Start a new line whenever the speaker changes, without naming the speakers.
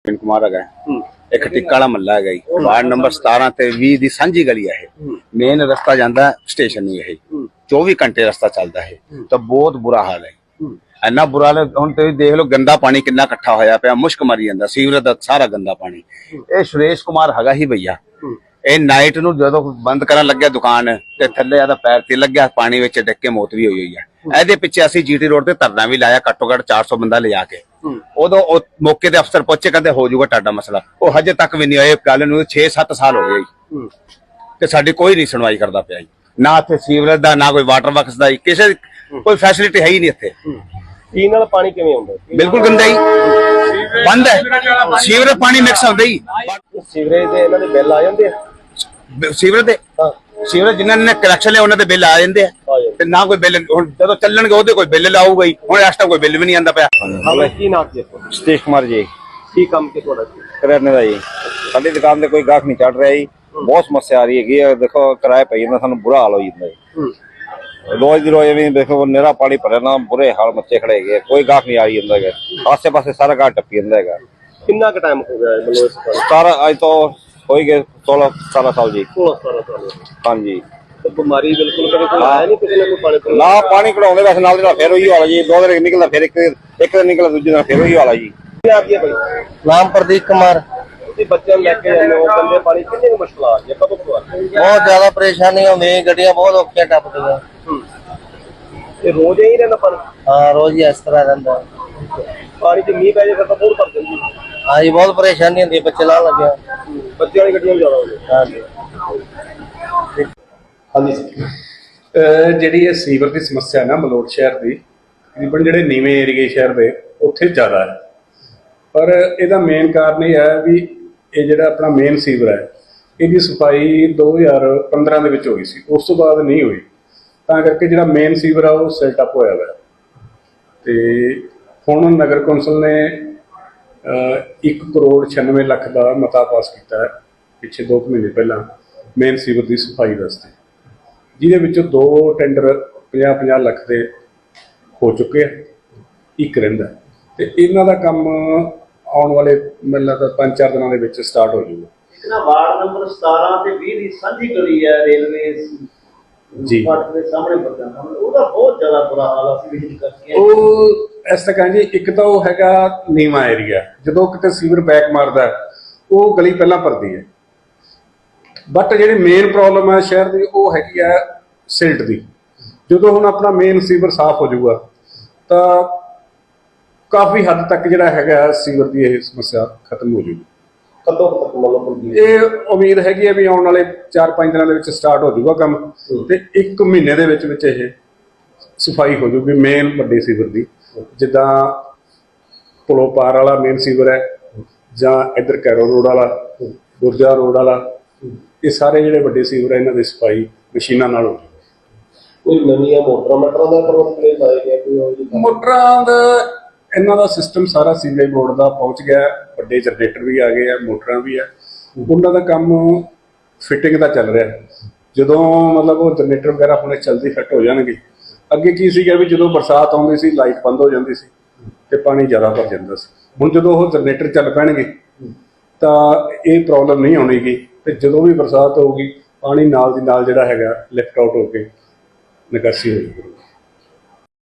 कुमार है एक टिक्का वाला महला है जी वार्ड नंबर 17 ते 20 दी सांझी गली है मेन रस्ता जांदा स्टेशन नहीं है 24 घंटे रस्ता चलता है तो बहुत बुरा हाल है इन्ना बुरा हाल हुण तुसीं देख लो गंदा पानी कितना इकट्ठा होया पिया मुश्क मरी जांदा सीवरेज दा सारा गंदा पानी ये सुरेश कुमार हैगा ही भैया ਇਹ ਨਾਈਟ ਨੂੰ ਜਦੋਂ ਬੰਦ ਕਰਨ ਲੱਗਿਆ ਦੁਕਾਨ ਤੇ ਥੱਲੇ ਆਦਾ ਪੈਰ ਤੇ ਲੱਗਿਆ ਪਾਣੀ ਵਿੱਚ ਡਿੱਗ ਕੇ ਮੌਤ ਵੀ ਹੋਈ ਹੋਈ ਹੈ ਇਹਦੇ ਪਿੱਛੇ ਅਸੀਂ ਜੀਟੀ ਰੋਡ ਤੇ ਧਰਨਾ ਵੀ ਲਾਇਆ ਘੱਟੋ ਘੱਟ 400 ਬੰਦਾ ਲਿਜਾ ਕੇ ਉਦੋਂ ਉਹ ਮੌਕੇ ਤੇ ਅਫਸਰ ਪਹੁੰਚੇ ਕਹਿੰਦੇ ਹੋ ਜਾਊਗਾ ਤੁਹਾਡਾ ਮਸਲਾ ਉਹ ਹਜੇ ਤੱਕ ਵੀ ਨਹੀਂ ਹੋਇਆ ਗੱਲ ਨੂੰ 6-7 ਸਾਲ ਹੋ ਗਏ ਤੇ ਸਾਡੀ ਕੋਈ ਨਹੀਂ ਸੁਣਵਾਈ ਕਰਦਾ ਪਿਆ ਨਾ ਇੱਥੇ ਸੀਵਰੇਜ ਦਾ ਨਾ ਕੋਈ ਵਾਟਰ ਵਰਕਸ ਦਾ ਕਿਸੇ ਕੋਈ ਫੈਸਿਲਿਟੀ ਹੈ ਹੀ ਨਹੀਂ ਇੱਥੇ
ਪੀਣ ਵਾਲਾ ਪਾਣੀ ਕਿਵੇਂ ਆਉਂਦਾ
ਬਿਲਕੁਲ ਗੰਦਾ ਹੀ ਬੰਦ ਹੈ ਸੀਵਰੇਜ ਪਾਣੀ ਮਿਕਸ ਹੁੰਦਾ ਹੀ
ਸੀਵਰੇਜ ਦੇ ਇਹਨਾਂ ਦੇ ਬਿੱਲ ਆ ਜਾਂਦੇ ਆ
ਸੀਵਰੇਜ ਦੇ ਸੀਵਰੇਜ ਜਿਨ੍ਹਾਂ ਨੇ ਕਨੈਕਸ਼ਨ ਲਿਆ ਉਹਨਾਂ ਦੇ ਬਿੱਲ ਆ ਜਾਂਦੇ ਆ ਤੇ ਨਾ ਕੋਈ ਬਿੱਲ ਹੁਣ ਜਦੋਂ ਚੱਲਣਗੇ ਉਹਦੇ ਕੋਈ ਬਿੱਲ ਲਾਊਗਾ ਹੀ ਹੁਣ ਇਸ ਟਾਈਮ ਕੋਈ ਬਿੱਲ ਵੀ ਨਹੀਂ ਆਂਦਾ ਪਿਆ
ਕੀ ਨਾਮ ਜੀ
ਸਤੀਸ਼ ਕੁਮਾਰ ਜੀ
ਕੀ ਕੰਮ ਕੀ ਤੁਹਾਡਾ
ਕਰਿਆਨੇ ਦਾ ਜੀ ਸਾਡੀ ਦੁਕਾਨ ਤੇ ਕੋਈ ਗਾਹਕ ਨਹੀਂ ਚੜ ਰਿਹਾ ਜੀ ਬਹੁਤ ਸਮੱਸਿਆ ਆ ਰਹੀ ਹੈਗੀ ਆ ਦੇਖੋ ਕਿਰਾਏ ਪਈ ਜਾਂਦਾ ਸਾਨੂੰ ਬੁਰਾ ਹਾਲ ਹੋ ਜਾਂਦਾ ਜੀ रोज दी रोज भी देखो निरा पानी भरे ना बुरे हाल मच्चे खड़े गए कोई गाहक नहीं आ रही अंदर है आसे पासे सारा गाहक टप्पी अंदर है
कितना का टाइम हो गया है मतलब
17 आज तो हो ही गए 16-17 साल जी
16-17 साल
हाँ जी
तो बीमारी बिल्कुल कभी कोई आया नहीं किसी ने कोई पानी
ना पानी कढ़ाउंदे वैसे नाल दा फिर वही वाला जी दो दिन निकलदा फिर एक दिन निकलदा दूजे दिन फिर वही वाला जी
आप ये भाई
नाम प्रदीप कुमार
बच्चे लेके जाने वो गंदे पानी कितनी मुश्किल आ रही है कब को
बहुत ज्यादा परेशानी होंदी गड्डियां बहुत औखियां टपदियां
ये रोज ही रहना पानी
हाँ रोज ही इस तरह रहंदा
पानी च मींह पै जाए तो बहुत भर जाती है
हाँ जी बहुत परेशानी होंदी बच्चे लान लगे
बच्चे वाली गड्डियां ज्यादा हो
हाँ जी
हाँ जी
ਜਿਹੜੀ ਇਹ ਸੀਵਰ ਦੀ ਸਮੱਸਿਆ ਨਾ ਮਲੋਟ ਸ਼ਹਿਰ ਦੀ ਤਕਰੀਬਨ ਜਿਹੜੇ ਨੀਵੇਂ ਏਰੀਏ ਸ਼ਹਿਰ ਦੇ ਉੱਥੇ ਜ਼ਿਆਦਾ ਹੈ ਪਰ ਇਹਦਾ ਮੇਨ ਕਾਰਨ ਇਹ ਹੈ ਵੀ ਇਹ ਜਿਹੜਾ ਆਪਣਾ ਮੇਨ ਸੀਵਰ ਹੈ ਇਹਦੀ ਸਫਾਈ 2015 ਦੇ ਵਿੱਚ ਹੋਈ ਸੀ ਉਸ ਤੋਂ ਬਾਅਦ ਨਹੀਂ ਹੋਈ ਤਾਂ ਕਰਕੇ ਜਿਹੜਾ ਮੇਨ ਸੀਵਰ ਆ ਉਹ ਸੈਟ ਅਪ ਹੋਇਆ ਹੋਇਆ ਤੇ ਹੁਣ ਨਗਰ ਕੌਂਸਲ ਨੇ 1 ਕਰੋੜ 96 ਲੱਖ ਦਾ ਮਤਾ ਪਾਸ ਕੀਤਾ ਹੈ ਪਿੱਛੇ 2 ਮਹੀਨੇ ਪਹਿਲਾਂ ਮੇਨ ਸੀਵਰ ਦੀ ਸਫਾਈ ਵਾਸਤੇ ਜਿਹਦੇ ਵਿੱਚੋਂ 2 ਟੈਂਡਰ 50-50 ਲੱਖ ਦੇ ਹੋ ਚੁੱਕੇ ਆ ਇੱਕ ਰਹਿੰਦਾ ਤੇ ਇਹਨਾਂ ਦਾ ਕੰਮ ਆਉਣ ਵਾਲੇ ਮੈਨੂੰ ਲੱਗਦਾ 5-4 ਦਿਨਾਂ ਦੇ ਵਿੱਚ ਸਟਾਰਟ ਹੋ ਜਾਊਗਾ
ਇਹਨਾਂ ਵਾਰਡ ਨੰਬਰ 17 ਤੇ 20 ਦੀ ਸਾਂਝੀ ਗਲੀ ਹੈ ਰੇਲਵੇ
ਜੀ
ਫਾਟਕ ਦੇ ਸਾਹਮਣੇ ਪੜਦਾ ਉਹਦਾ ਬਹੁਤ ਜ਼ਿਆਦਾ ਬੁਰਾ ਹਾਲ ਆ ਸੀ ਵਿਜ਼ਿਟ ਕਰਕੇ
ਉਹ ਇਸ ਤਰ੍ਹਾਂ ਜੀ ਇੱਕ ਤਾਂ ਉਹ ਹੈਗਾ ਨੀਵਾਂ ਏਰੀਆ ਜਦੋਂ ਕਿਤੇ ਸੀਵਰ ਬੈਕ ਮਾਰਦਾ ਉਹ ਗਲੀ ਪਹਿਲਾਂ ਭਰਦੀ ਹੈ ਬਟ ਜਿਹੜੀ ਮੇਨ ਪ੍ਰੋਬਲਮ ਹੈ ਸ਼ਹਿਰ ਦੀ ਉਹ ਹੈਗੀ ਆ ਸਿਲਟ ਦੀ ਜਦੋਂ ਹੁਣ ਆਪਣਾ ਮੇਨ ਸੀਵਰ ਸਾਫ਼ ਹੋ ਜਾਊਗਾ ਤਾਂ ਕਾਫੀ ਹੱਦ ਤੱਕ ਜਿਹੜਾ ਹੈਗਾ ਸੀਵਰ ਦੀ ਇਹ ਸਮੱਸਿਆ ਖਤਮ ਹੋ ਜਾਊਗੀ
कदों तक मतलब
ਇਹ ਉਮੀਦ ਹੈਗੀ ਹੈ ਵੀ ਆਉਣ ਵਾਲੇ 4-5 ਦਿਨਾਂ ਦੇ ਵਿੱਚ ਸਟਾਰਟ ਹੋ ਜਾਊਗਾ ਕੰਮ ਤੇ 1 ਮਹੀਨੇ ਦੇ ਵਿੱਚ ਇਹ ਸਫਾਈ ਹੋ ਜਾਊਗੀ ਮੇਨ ਵੱਡੇ ਸੀਵਰ ਦੀ ਜਿੱਦਾਂ ਪੁਲੋਂ ਪਾਰ ਵਾਲਾ ਮੇਨ ਸੀਵਰ ਹੈ ਜਾਂ ਇੱਧਰ ਕੈਰੋ ਰੋਡ ਵਾਲਾ ਗੁਰਜਾ ਰੋਡ ਵਾਲਾ ਇਹ ਸਾਰੇ ਜਿਹੜੇ ਵੱਡੇ ਸੀਵਰ ਹੈ ਇਹਨਾਂ ਦੀ ਸਫਾਈ ਮਸ਼ੀਨਾਂ ਨਾਲ ਹੋ ਜਾਊਗੀ
कोई नवी मोटर का प्रबंध लाया गया कोई
ਮੋਟਰਾਂ ਦਾ ਇਹਨਾਂ ਦਾ ਸਿਸਟਮ ਸਾਰਾ ਸੀਵਰੇਜ ਬੋਰਡ ਦਾ ਪਹੁੰਚ ਗਿਆ ਵੱਡੇ ਜਨਰੇਟਰ ਵੀ ਆ ਗਏ ਆ ਮੋਟਰਾਂ ਵੀ ਆ ਉਹਨਾਂ ਦਾ ਕੰਮ ਫਿਟਿੰਗ ਦਾ ਚੱਲ ਰਿਹਾ ਜਦੋਂ ਮਤਲਬ ਉਹ ਜਨਰੇਟਰ ਵਗੈਰਾ ਹੁਣੇ ਜਲਦੀ ਫਿੱਟ ਹੋ ਜਾਣਗੇ ਅੱਗੇ ਕੀ ਸੀਗਾ ਵੀ ਜਦੋਂ ਬਰਸਾਤ ਆਉਂਦੀ ਸੀ ਲਾਈਟ ਬੰਦ ਹੋ ਜਾਂਦੀ ਸੀ ਤੇ ਪਾਣੀ ਜ਼ਿਆਦਾ ਭਰ ਜਾਂਦਾ ਸੀ ਹੁਣ ਜਦੋਂ ਉਹ ਜਨਰੇਟਰ ਚੱਲ ਪੈਣਗੇ ਤਾਂ ਇਹ ਪ੍ਰੋਬਲਮ ਨਹੀਂ ਆਉਣੀਗੀ ਤੇ ਜਦੋਂ ਵੀ ਬਰਸਾਤ ਹੋਊਗੀ ਪਾਣੀ ਨਾਲ ਦੀ ਨਾਲ ਜਿਹੜਾ ਹੈਗਾ ਲਿਫਟ ਆਊਟ ਹੋ ਕੇ ਨਿਕਾਸੀ ਹੋ ਜਾਊਗੀ